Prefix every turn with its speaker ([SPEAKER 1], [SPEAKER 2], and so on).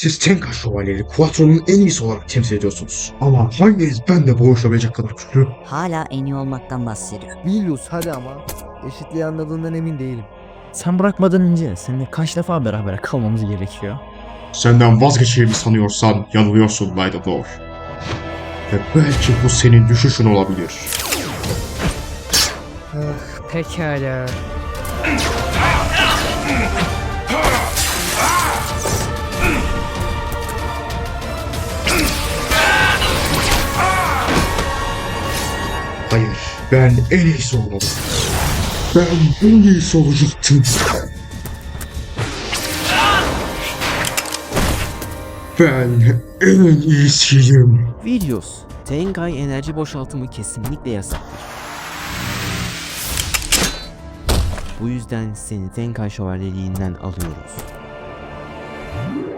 [SPEAKER 1] Siz Tenka Şövalyeleri Quattro'nun en iyisi olarak temsil ediyorsunuz. Ama hanginiz ben de boğuşabilecek kadar güçlü?
[SPEAKER 2] Hala en iyi olmaktan bahsediyor.
[SPEAKER 3] Biliyoruz hadi ama. Eşitliği anladığından emin değilim.
[SPEAKER 4] Sen bırakmadan önce seninle kaç defa beraber kalmamız gerekiyor?
[SPEAKER 1] Senden vazgeçeceğimi sanıyorsan yanılıyorsun Nidavellir. Ve belki bu senin düşüşün olabilir.
[SPEAKER 4] Pekala.
[SPEAKER 1] Hayır, ben en iyisi olmalıyım. Ben en iyisi olacaktım. Ben en iyisiyim.
[SPEAKER 5] Videos, Tengai enerji boşaltımı kesinlikle yasaktır. Bu yüzden seni Tenkai şövalyeliğinden alıyoruz.